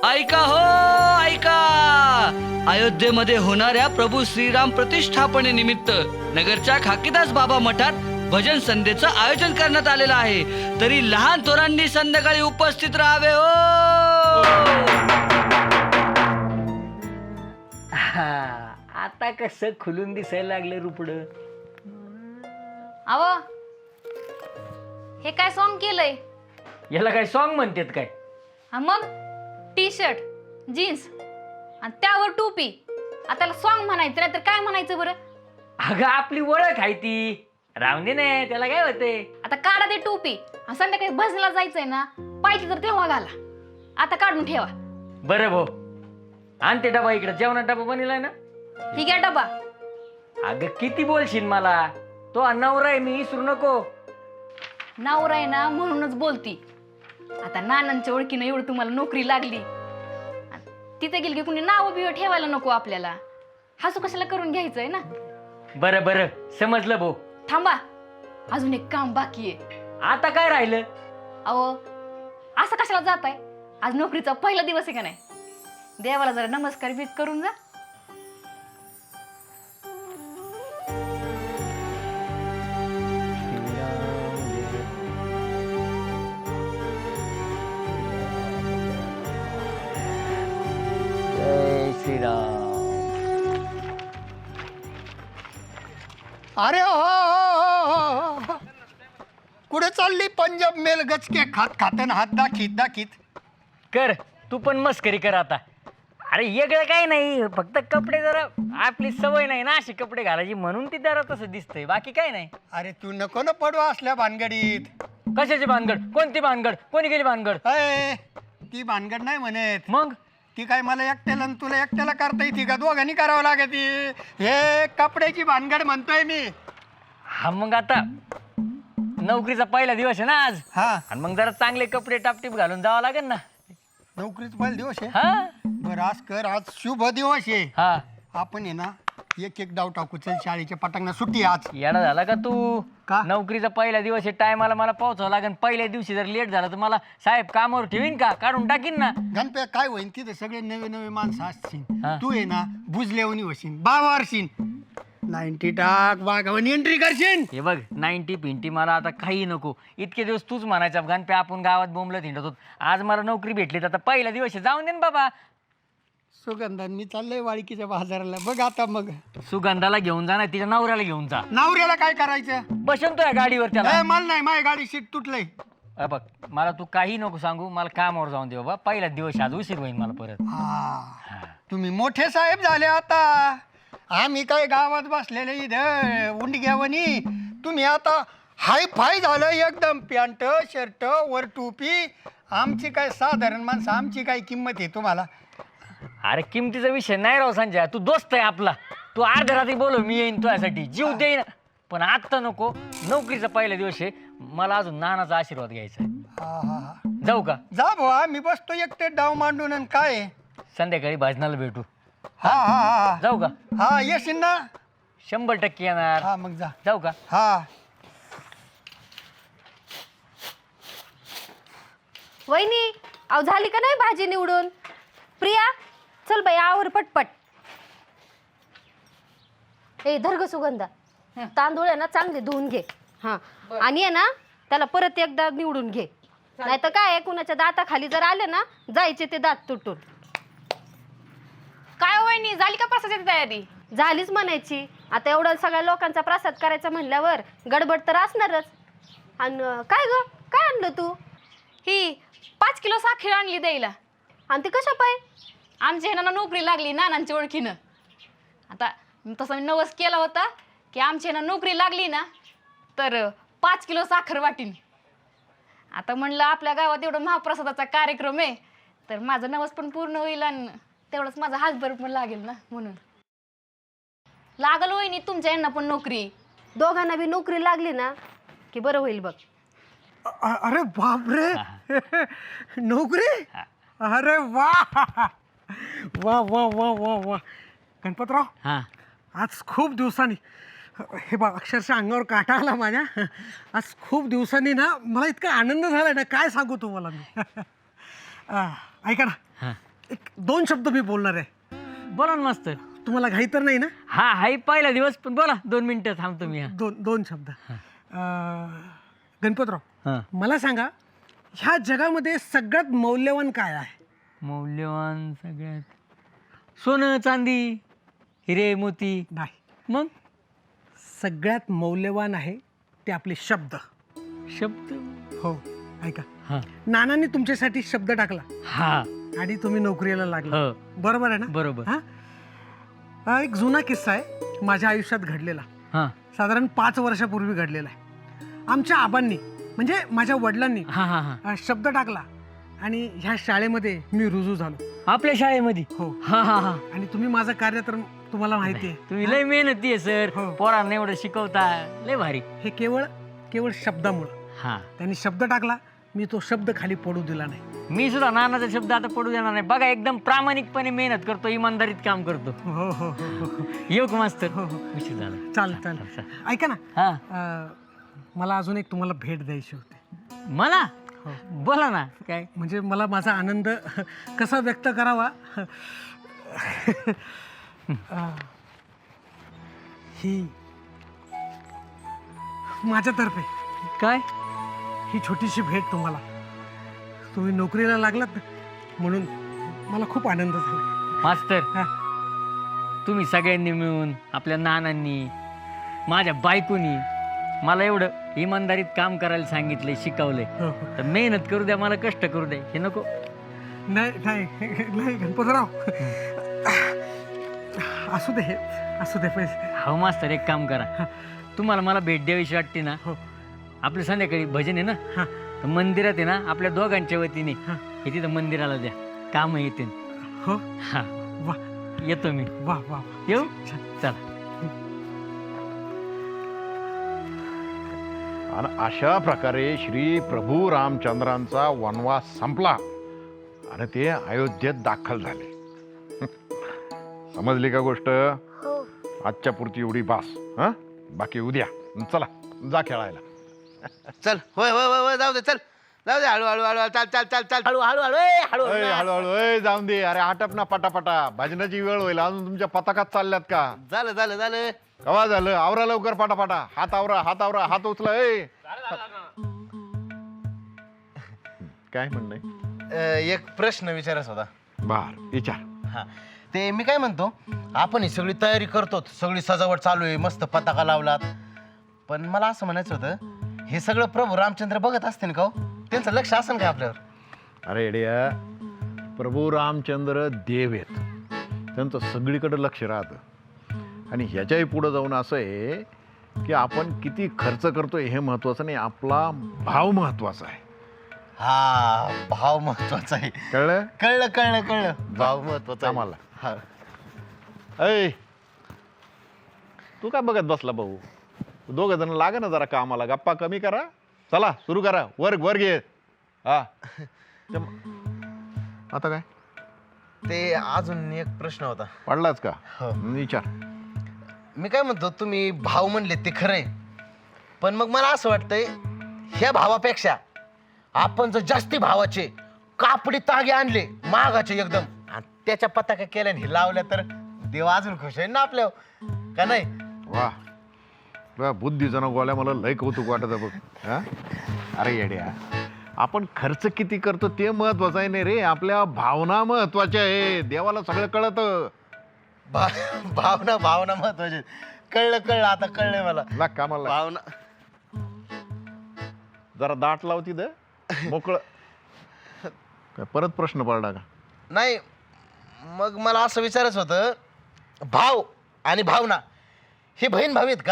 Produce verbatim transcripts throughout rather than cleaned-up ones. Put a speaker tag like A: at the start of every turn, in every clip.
A: ऐका हो ऐका, अयोध्येमध्ये होणाऱ्या प्रभू श्रीराम प्रतिष्ठापनेनिमित्त नगरच्या खाकीदास बाबा मठात भजन संध्येचं आयोजन करण्यात आलेलं आहे. तरी लहान थोरांनी संध्याकाळी उपस्थित राहावे हो.
B: आता कसं खुलून दिसायला लागलं रुपड.
C: अव हे काय सॉन्ग केलंय?
B: याला काय सॉन्ग म्हणतात काय?
C: हा मग टी शर्ट जीन्स आणि त्यावर टोपी, आता त्याला सॉन्ग म्हणायचं नाही तर काय म्हणायचं बरं?
B: अगं आपली ओळख आहे ती, राहून दे ना, त्याला काय होते.
C: आता काढा ते टोपी आणि संध्याकाळी भजनाला जायचंय ना, पाहिजे तर तेव्हा घाला, आता काढून ठेवा.
B: बरं भाऊ, आण ते डबा इकडे, जेवणा डबा बनलाय ना.
C: ठीक आहे डबा.
B: अगं किती बोलशील मला, तो नवरा आहे मी, विसरू नको.
C: नवरा आहे ना म्हणूनच बोलती. आता नानांच्या ओळखीनं एवढं तुम्हाला नोकरी लागली, तिथे गेली की कुणी नाव बिव ठेवायला नको आपल्याला. हसू कशाला करून घ्यायचंय ना.
B: बरं बरं समजलं भाऊ.
C: थांबा, अजून एक काम बाकी आहे.
B: आता काय राहिलं?
C: अहो असं कशाला जाताय? आज नोकरीचा पहिला दिवस आहे का नाही? देवाला जरा नमस्कार बीत करून जा.
B: जय श्रीराम.
D: अरे हो, हो, हो. कुठे चालली पंजाब मेल गचके खात खातन हात दाखीत दाखीत.
B: कर तू पण मस्करी कर आता. अरे वेगळं काय नाही, फक्त कपडे जरा आपली सवय नाही ना अशी कपडे घालायची, म्हणून ती जरा तसं दिसतंय, बाकी काय नाही.
D: अरे तू नको ना पडवा असल्या भानगडीत.
B: कशाची भानगड? कोणती भानगड? कोणी गेली भानगड?
D: अय, ती भानगड नाही म्हणत.
B: मग
D: ती काय मला एकट्याला आणि तुला एकट्याला करता येते का? दोघांनी करावं लागत. हे कपड्याची भानगड म्हणतोय मी.
B: हा मग आता नोकरीचा पहिला दिवस आहे ना आज,
D: हा,
B: आणि मग जरा चांगले कपडे टापटीप घालून जावं लागेल ना.
D: नोकरीचा पहिला दिवस आहे.
B: हा
D: बरं आज कर, आज शुभ दिवस आहे.
B: हा.
D: आपण आहे ना एक एक डाव टाकू. चल शाळेच्या पटांगणा सुट्टी आज.
B: येडा झाला का तू?
D: का?
B: नोकरीचा पहिला दिवस आहे, टायमाला मला पोहोचावं लागेल. पहिल्या दिवशी जर लेट झालं तर मला साहेब कामावर ठेवीन का? काढून टाकीन ना.
D: गणप्या काय होईन तिथे सगळे नवे नवे माणसं असतील.
B: हा.
D: तू आहे ना बुजलेवणी होशील, बावारशील, नाईन्टी टाक बागावणी एंट्री करशील.
B: हे बघ, नाईन्टी पिंटी मला आता काही नको. इतके दिवस तूच म्हणायचा गणपे आपण गावात बोंबलत हिंडत होत. आज मला नोकरी भेटली तर आता पहिला दिवस आहे, जाऊन दे ना बाबा.
D: सुगंधान मी चाललंय वाळकीच्या बाजाराला. बघ आता मग
B: सुगंधाला घेऊन जा ना, तिच्या नवऱ्याला घेऊन जा.
D: नवऱ्याला काय करायचं?
B: बसन तो या गाडीवर त्याला.
D: ए, मला नाही, माझी गाडी सीट तुटलंय.
B: अ बघ, मला तू काही नको सांगू, मला कामावर जाऊन दे बाबा. पहिला दिवस आज उशीर होईल मला परत.
D: हा, तुम्ही मोठे साहेब झाले आता. आम्ही काय गावात बसलेले इथं उंडग्यावणी. तुम्ही आता हाय फाय झालं एकदम. पॅन्ट शर्ट वर टोपी. आमची काय साधारण माणसं, आमची काय किंमत आहे तुम्हाला?
B: अरे किमतीचा विषय नाही राव संजय, तू दोस्त आहे आपला. तू अर्ध्या रात्री बोलव, मी येईन तुझ्यासाठी, जीव देईन. पण आत्ता नको, नोकरीचा पहिला दिवस आहे, मला अजून नानाचा आशीर्वाद घ्यायचा आहे.
D: हा हा हा,
B: जाऊ का?
D: जा भाऊ, मी बसतो एकटे डाव मांडून. आणि काय
B: संध्याकाळी भजनाला भेटू.
D: हा हा हा
B: जाऊ का?
D: हा, येशील ना?
B: शंभर टक्के येणार.
D: हा मग जा.
B: जाऊ का?
D: हा.
E: वहिनी, अहो झाली का नाही भाजी निवडून? प्रिया चल बाई आवर पटपट. ए धर्ग सुगंधा, तांदूळ आहे ना चांगले धुवून घे. हा, आणि आहे ना त्याला परत एकदा निवडून घे, नाही तर काय कुणाच्या दाताखाली जर आले ना जायचे ते दात तुटून.
C: काय वहिनी, झाली का प्रसादाची तयारी?
E: झालीच म्हणायची. आता एवढं सगळ्या लोकांचा प्रसाद करायचा म्हणल्यावर गडबड तर असणारच. आणि काय ग, काय आणलं तू?
C: ही पाच किलो साखर आणली द्यायला.
E: आणि ते कशा पाय?
C: आमच्या ह्यानं नोकरी लागली नानांच्या ओळखीनं. आता तसं मी नवस केला होता की आमच्या ह्यानं नोकरी लागली ना तर पाच किलो साखर वाटीन. आता म्हणलं आपल्या गावात एवढं महाप्रसादाचा कार्यक्रम आहे तर माझं नवस पण पूर्ण होईल आणि तेवढंच माझा हातभर पण लागेल ना, म्हणून लागल वहिनी तुमच्या यांना पण नोकरी.
E: दोघांना बी नोकरी लागली ना की बरं होईल बघ.
D: अ- अरे बापरे, नोकरी? अरे वा वा वा वा वा वा. गणपतराव,
B: हा.
D: आज खूप दिवसांनी, हे बघ अक्षरशः अंगावर काटा आला माझ्या. आज खूप दिवसांनी ना मला इतका आनंद झाला ना, काय सांगू तुम्हाला मी. अ, ऐका ना,
B: हा.
F: एक दोन शब्द मी बोलणार आहे.
B: बोला ना मास्तर.
F: तुम्हाला घाई तर नाही ना?
B: हा हाय पहिला दिवस, पण बोला दोन मिनिटं थांबतो मी. हा
F: दोन दोन शब्द. अं, गणपतराव,
B: हा.
F: मला सांगा, ह्या जगामध्ये सगळ्यात मौल्यवान काय आहे?
B: मौल्यवान सगळ्यात सोनं चांदी हिरे मोती.
F: नाही,
B: मग
F: सगळ्यात मौल्यवान आहे ते आपले शब्द.
B: शब्द.
F: हो, ऐका,
B: हा
F: नानांनी तुमच्यासाठी शब्द टाकला
B: हा
F: आणि तुम्ही नोकरीला लागला.
B: हो
F: बरोबर आहे ना?
B: बरोबर.
F: हा? हा एक जुना किस्सा आहे माझ्या आयुष्यात घडलेला.
B: हा
F: साधारण पाच वर्षापूर्वी घडलेला आहे. आमच्या आबांनी म्हणजे माझ्या वडिलांनी
B: हा हा हा
F: अ, शब्द टाकला आणि ह्या शाळेमध्ये मी रुजू झालो.
B: आपल्या शाळेमध्ये.
F: हो.
B: हा हा हा
F: आणि तुम्ही माझं कार्य तर तुम्हाला माहिती आहे.
B: तुम्ही लय मेहनती आहे सर.
F: हो.
B: पोरांना एवढं शिकवता, लय भारी.
F: हे केवळ केवळ शब्दामुळं.
B: हा त्यांनी
F: शब्द टाकला, मी तो शब्द खाली पडू दिला नाही.
B: मी सुद्धा नानाचा शब्द आता पडू देणार नाही. बघा एकदम प्रामाणिकपणे मेहनत करतो, इमानदारीत काम करतो.
F: हो हो हो हो
B: येऊ का मास्तर?
F: हो, हो.
B: उशीर झाला.
F: चालेल चालेल. ऐका ना,
B: हा
F: अ, मला अजून एक तुम्हाला भेट द्यायची होती.
B: मला
F: हो.
B: बोला ना. काय?
F: म्हणजे मला माझा आनंद कसा व्यक्त करावा. अ, ही माझ्यातर्फे
B: काय?
F: ही छोटीशी भेट तुम्हाला. तुम्ही नोकरीला लागलात म्हणून मला खूप आनंद झाला.
B: मास्तर,
F: हा.
B: तुम्ही सगळ्यांनी मिळून, आपल्या नानांनी, माझ्या बायकोनी मला एवढं इमानदारीत काम करायला सांगितलंय, शिकवलंय.
F: हो, हो.
B: तर मेहनत करू द्या, मला कष्ट करू द्या. हे नको.
F: नाही नाही नाही गणपतराव, असू दे असू दे पैसे.
B: हो मास्तर, एक काम करा. तुम्हाला मला भेट द्यावीशी वाटते ना,
F: हो.
B: आपलं संध्याकाळी भजन आहे ना,
F: हा.
B: तर मंदिरात आहे ना, आपल्या दोघांच्या वतीने
F: हा.
B: हे तिथं मंदिराला द्या, काम येतील.
F: हो.
B: हा
F: वा
B: येतो मी.
F: वा वा.
B: येऊ.
F: छान.
B: चला.
G: आणि अशा प्रकारे श्री प्रभू रामचंद्रांचा वनवास संपला आणि ते अयोध्येत दाखल झाले. समजली का गोष्ट? आजच्या पुरती एवढी बास. हा, बाकी उद्या. चला जा खेळायला.
H: चल. होय होय होय होय जाऊ दे. चल जाऊ दे. हळू हळू हळू चाल चाल चाल चाल हळू हळू हळू ए, हळू
G: अय, हळूहळू अय, जाऊन दे. अरे आटप ना पटापटा. भजनाची वेळ होईल. अजून तुमच्या पताकात चालल्यात का?
H: झालं झालं झालं.
G: कवा झालं? आवरा लवकर पटापटा. हात आवरा, हात आवरा, हात उचला. ए काय म्हणणं?
H: अ, एक प्रश्न विचारायचा होता.
G: बर विचार.
H: हा, ते मी काय म्हणतो, आपण ही सगळी तयारी करतो, सगळी सजावट चालू आहे, मस्त पताका लावलात, पण मला असं म्हणायचं होतं, हे सगळं प्रभू रामचंद्र बघत असतील का हो? त्यांचं लक्ष असेल का आपल्यावर?
G: अरे एडिया, प्रभू रामचंद्र देव आहेत. त्यांचं सगळीकडे लक्ष राहतं. आणि ह्याच्याही पुढं जाऊन असं आहे की आपण किती खर्च करतोय हे महत्वाचं नाही, आपला भाव महत्वाचा आहे.
H: हा, भाव महत्वाचा आहे.
G: कळलं?
H: कळलं कळलं कळलं. भाव महत्वाचा आहे.
G: आम्हाला.
H: हा.
G: ऐ, तू काय बघत बसला भाऊ? दोघ जण लागा ना जरा कामाला. गप्पा कमी करा. चला सुरू करा. वर्ग वर्ग ये. हा. आता काय
H: ते अजून एक प्रश्न होता.
G: पडलाच का?
H: हो.
G: विचार.
H: मी काय म्हणतो, तुम्ही भाव म्हणले ते खरंय, पण मग मला असं वाटतंय, ह्या भावापेक्षा आपण जर जास्ती भावाचे कापडी तागे आणले, मागाचे एकदम, आणि त्याच्या पताका केल्या आणि लावल्या, तर देव अजून खुश आहे ना आपल्यावर, का नाही?
G: वा, तुझ्या बुद्धीचं ना गोळ्या मला लय कौतुक वाटत बघ. हा? अरे येड्या, आपण खर्च किती करतो ते महत्वाचं आहे नाही रे, आपल्या भावना महत्वाच्या आहे. देवाला सगळं कळतं.
H: भा भावना भावना महत्वाचे. कळलं कळलं आता कळलंय मला.
G: लाग कामाला.
H: भावना.
G: जरा दाट लावती द मोकळ. काय परत प्रश्न पडला का?
H: नाही, मग मला असं विचारायचं होतं, भाव आणि भावना हे बहीण भाऊ आहेत का?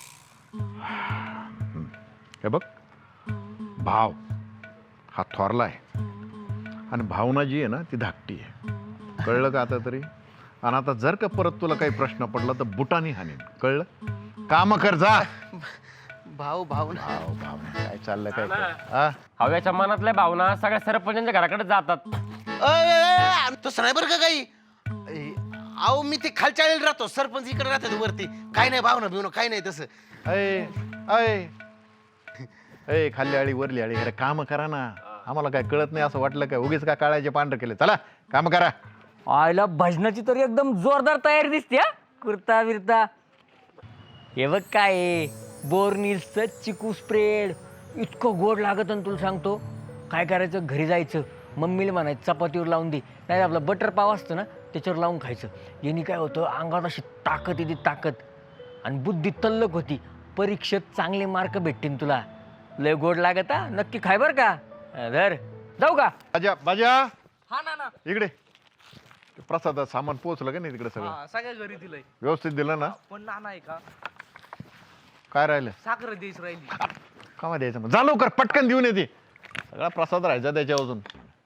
G: हे बघ, भाव हा थोरला आहे आणि भावना जी आहे ना ती धाकटी आहे. कळलं का आता तरी? आणि आता जर का परत तुला काही प्रश्न पडला तर बुटानी हाणीन. कळलं? काम कर जा.
H: भाऊ भावना.
G: भाव भावना काय चाललं काय हा?
I: हव्याच्या मनातल्या भावना सगळ्या सरपंचांच्या घराकडे जातात.
H: तसं नाही बरं का काही. ए, अहो मी ते खालच्या आळीला राहतो, सरपंच इकडे राहतात वरती. काय नाही भावना बिवना काही नाही तसं.
G: अय अय अय खाल्ली आळी वरली आळी. अरे काम करा ना. आम्हाला काय कळत नाही असं वाटलं काय उगीच का काळाचे पांढरे केले चला काम करा.
B: आयला भजनाची तर एकदम जोरदार तयारी दिसते हा कुर्ता बिरता. हे बघ काय आहे, बोर्निलचं चिकू स्प्रेड इतकं गोड लागत आणि तुला सांगतो काय करायचं घरी जायचं मम्मीला म्हणायचं चपातीवर लावून दे नाही आपलं बटर पाव असतं ना त्याच्यावर लावून खायचं. यांनी काय होतं अंगात अशी ताकद येते ताकद आणि बुद्धी तल्लक होती. परीक्षेत चांगले मार्क भेटतील तुला. लय गोड लागत हा नक्की खाय बरं का. धर जाऊ का.
G: बाजा बाजा
A: हा ना ना
G: इकडे प्रसादात सामान पोहोचलं का नाही तिकडे सगळं
A: सगळ्या घरी दिलंय
G: व्यवस्थित दिलं ना.
A: पण नाना आहे का
G: काय राहिलं
A: साखर द्यायची राहिली.
G: कामा द्यायचं मग जा लवकर पटकन देऊन येते सगळा प्रसाद राहायचा त्याच्यावरून.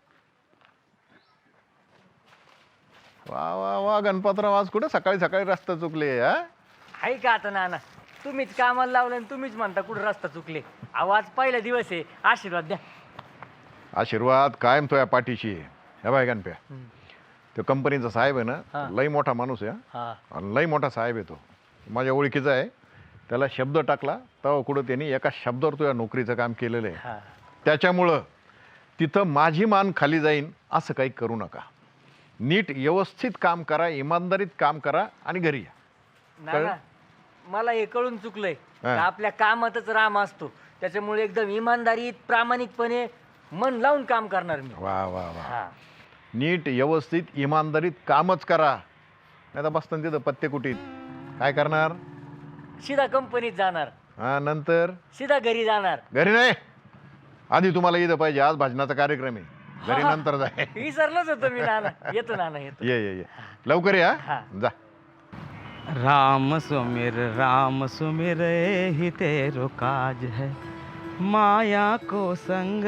G: वा वा वा गणपतराव आज कुठे सकाळी सकाळी रस्ता चुकले हा.
B: आहे का आता नाना तुम्हीच कामाला लावलं आणि तुम्हीच म्हणता कुठं रस्ता चुकले. आवाज पहिला दिवस आहे आशीर्वाद द्या.
G: आशीर्वाद कायम तो या पाठीशी आहे. हे बाय गणप्या तो कंपनीचा साहेब आहे
B: हा.
G: ना लई मोठा माणूस आहे
B: हा
G: हा. आणि लई मोठा साहेब आहे तो माझ्या ओळखीचा आहे. त्याला शब्द टाकला तेव्हा कुठं त्यांनी एका शब्दावर तो या नोकरीचं काम केलेलं आहे.
B: हा
G: त्याच्यामुळं तिथं माझी मान खाली जाईन असं काही करू नका. नीट व्यवस्थित काम करा इमानदारीत काम करा आणि घरी या.
B: नाना मला हे कळून चुकलंय
G: हा.
B: का आपल्या कामातच राम असतो त्याच्यामुळे एकदम इमानदारीत प्रामाणिकपणे मन लावून काम करणार मी.
G: वा वा वा
B: हा
G: नीट व्यवस्थित इमानदारीत कामच करा नाही तर बसताना तिथं पत्ते कुटीत काय करणार.
B: सीधा कंपनीत जाणार
G: हा नंतर
B: सीधा घरी जाणार.
G: घरी नाही आधी तुम्हाला इथं पाहिजे आज भजनाचा कार्यक्रम आहे. घरी नंतर जाय.
B: विसरलोच होतो मी नाना. येतो नाना येतो.
G: ये ये ये लवकर या
B: हा.
G: जा.
J: राम सुमिर राम सुमिर ही तेरो काज है माया को संग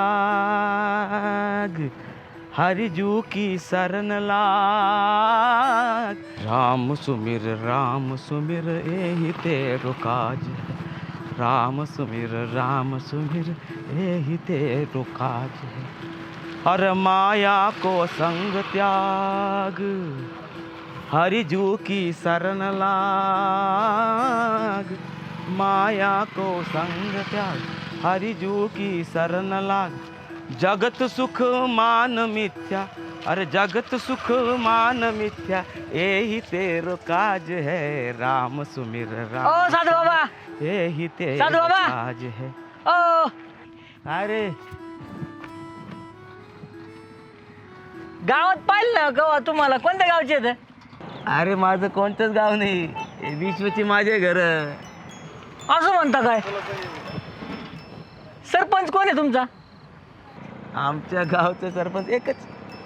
J: त्याग हरिजू की शरण लाग. राम सुमिर राम सुमिर ही तेरो काज है राम सुमिर राम सुमिर ही तेरो काज है हर माया को संग त्याग हरिजू की शरण लाग. माया को संग त्याग हरिजू की शरण लाग. जगत सुख मान मिथ्या अरे जगत सुख मान मिथ्या यही तेरो काज है राम सुमिर
B: ओ
J: राम
B: साधू बाबा
J: यही तेरो
B: साधू बाबा.
J: काज है.
B: ओ
J: अरे
B: गावात पाहिलं ना गवा तुम्हाला कोणत्या गावचे आहेत.
J: अरे माझं कोणतंच गाव नाही हे विश्वची माझे घर.
B: असं म्हणता काय. सरपंच कोण आहे तुमचा.
J: आमच्या गावचं सरपंच एकच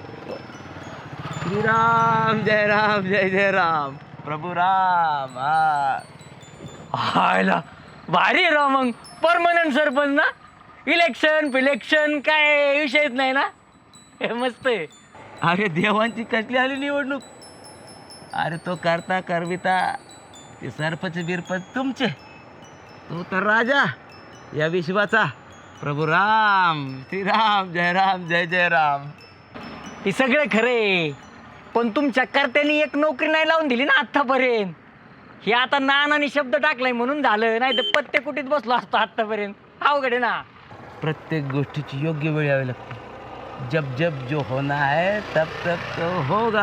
J: श्रीराम जय राम जय जय राम प्रभू राम. हा
B: हायला भारी आहे राव मग परमनंट सरपंच ना. इलेक्शन फिलेक्शन काय विषयच नाही ना. हे मस्त आहे.
J: अरे देवांची कसली आली निवडणूक. अरे तो करता करविता ते सरपंच बिरपंच तुमचे तो तर राजा या विश्वाचा प्रभू राम श्रीराम जय राम जय जय राम.
B: हे सगळं खरे पण तुमच्या कर्त्यांनी एक नोकरी नाही लावून दिली ना आत्तापर्यंत. हे आता नानाने शब्द टाकलाय म्हणून झालं नाही तर पत्ते कुठेच बसलो असतो आत्तापर्यंत. अवघड आहे ना.
J: प्रत्येक गोष्टीची योग्य वेळ यावी लागते. जब जब जो होना है तब तब तो होगा.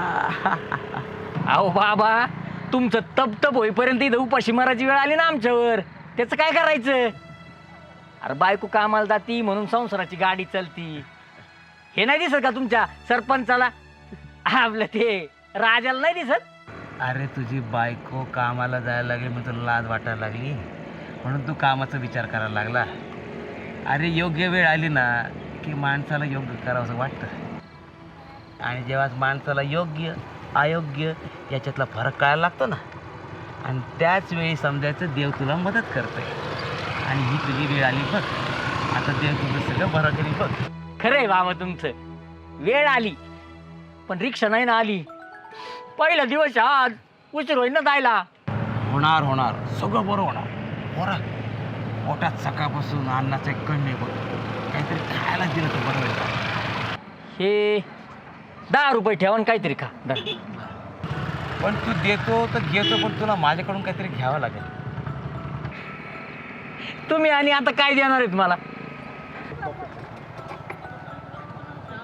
B: अहो बाबा तुमचं तप तप होईपर्यंत इथं उपाशी मारायची वेळ आली ना आमच्यावर. त्याचं काय करायचं. अरे बायको कामाला जाती म्हणून संसाराची गाडी चालती. हे नाही दिसत का तुमच्या सरपंचाला आपलं ते राजाला नाही दिसत.
J: अरे तुझी बायको कामाला जायला लागली मग तुला लाज वाटायला लागली म्हणून तू कामाचा विचार करायला लागला. अरे योग्य वेळ आली ना की माणसाला योग्य करावं असं वाटतं आणि जेव्हा माणसाला योग्य अयोग्य याच्यातला फरक कळायला लागतो ना आणि त्याच वेळी समजायचं देव तुला मदत करतोय आणि ही तुझी वेळ आली बघ. आता देव तुझं सगळं बरं करी बघ.
B: खरंय बाबा तुमचं. वेळ आली पण रिक्षा नाही ना आली. पहिला दिवस आज उशीर होईल ना जायला.
J: होणार होणार सगळं बरं होणार. बरं पोटात सकाळपासून अन्नाचं एक कण नाही बघ. काहीतरी खायला दिलं तर बरं होईल.
B: हे दहा रुपये ठेवा आणि काहीतरी खा. धर.
J: पण तू देतो तर घेतो पण तुला माझ्याकडून काहीतरी घ्यावं लागेल.
B: तुम्ही आणि आता काय देणार आहेत मला.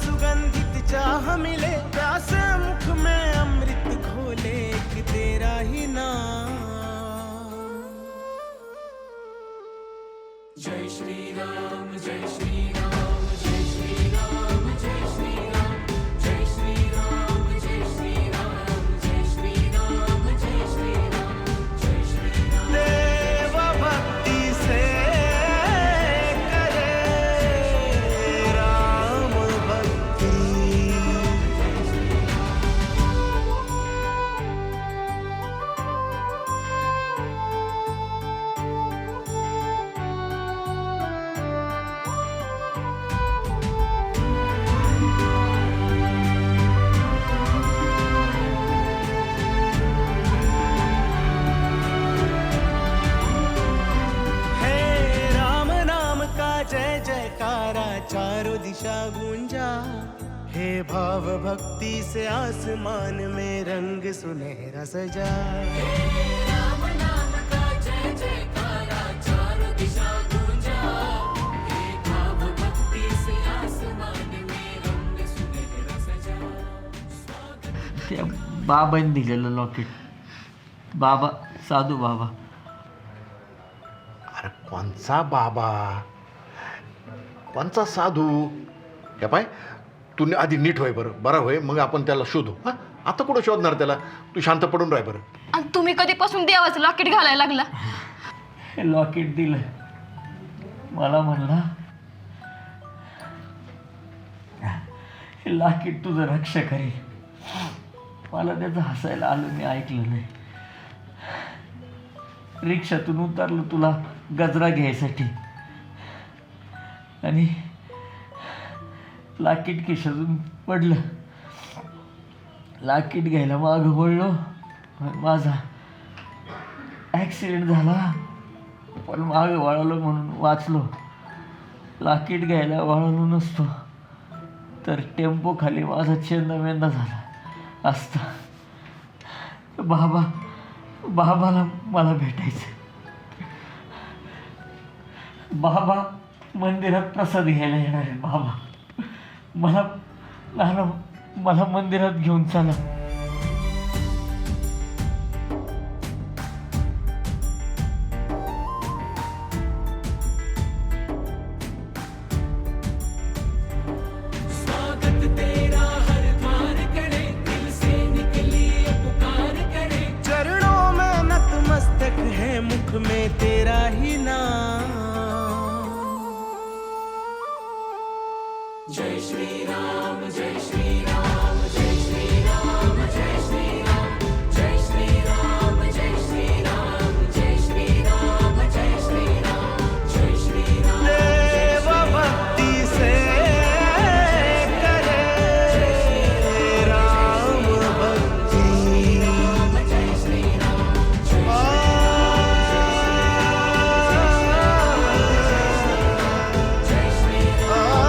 K: सुगंधित चाह मिले, प्यासे मुख में अमृत घोले, कि तेरा ही नाम। जय श्री राम जय श्री राम जय श्री राम जय श्री राम जय श्री राम जय श्री राम जय श्री राम जय श्री राम जय श्री राम। देव भक्ति से करे राम भक्ति। जय जयकारा चारों दिशा गूंजा, हे भाव भक्ति से आसमान में रंग सुनहरा सजा। हे राम नाम का जय जयकारा चारों दिशा गूंजा, हे भाव भक्ति से आसमान में रंग सुनहरा सजा।
B: त्या बाबांनी दिलेलं लॉकेट, बाबा साधू बाबा.
G: अरे कोणचा बाबा, कोणचा साधू? हे पाय, तू आधी नीट होय बरं, बरा होय, मग आपण त्याला शोधू. हां, आता कुठं शोधणार त्याला? तू शांत पडून राह बरं.
C: आणि तुम्ही कधीपासून देवाचं लॉकेट घालायला लागला?
B: हे लॉकेट दिलं मला, म्हणला हे लॉकेट तुझं रक्षा करेल. मला त्याचं हसायला आलं, मी ऐकलं नाही. रिक्षातून उतरलो तुला गजरा घ्यायसाठी, आणि लाकीट खिशातून पडलं. लाकीट घ्यायला मागं वळलो, माझा ॲक्सिडेंट झाला, पण मागं वळलो म्हणून वाचलो. लाकीट घ्यायला वळलो नसतो तर टेम्पो खाली माझा चेंदामेंदा झाला असता. बाबा बाबाला मला भेटायचं. बाबा मंदिरात प्रसाद घ्यायला येणार आहे. बाबा मला नाना मला मंदिरात घेऊन चला.
K: स्वागत तेरा हर द्वार करे, दिल से निकली ये पुकार करे, चरणों में नतमस्तक है, मुख में तेरा ही नाम. जय श्री राम जय श्री राम जय श्री राम जय श्री राम जय श्री राम जय श्री राम जय श्री राम जय श्री राम जय श्री राम. देव भक्ति से करे राम भक्ति. जय श्री राम जय श्री राम.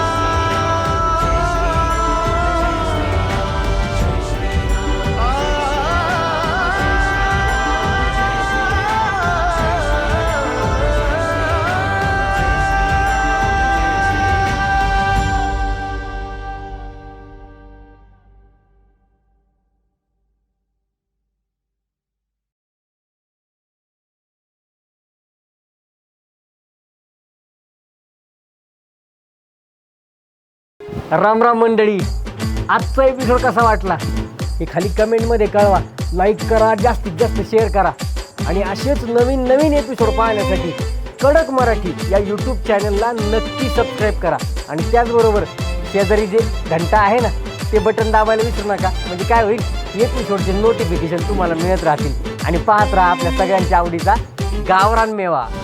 B: राम राम मंडळी, आजचा एपिसोड कसा वाटला हे खाली कमेंटमध्ये कळवा. लाईक करा, जास्तीत जास्त शेअर करा, आणि असेच नवीन नवीन एपिसोड पाहण्यासाठी कडक मराठी या यूट्यूब चॅनलला नक्की सबस्क्राईब करा. आणि त्याचबरोबर शेजारी जे घंटा आहे ना, ते बटन दाबायला विसरू नका. म्हणजे काय होईल, एपिसोडचे नोटिफिकेशन तुम्हाला मिळत राहतील. आणि पाहत राहा आपल्या सगळ्यांच्या आवडीचा गावरान मेवा.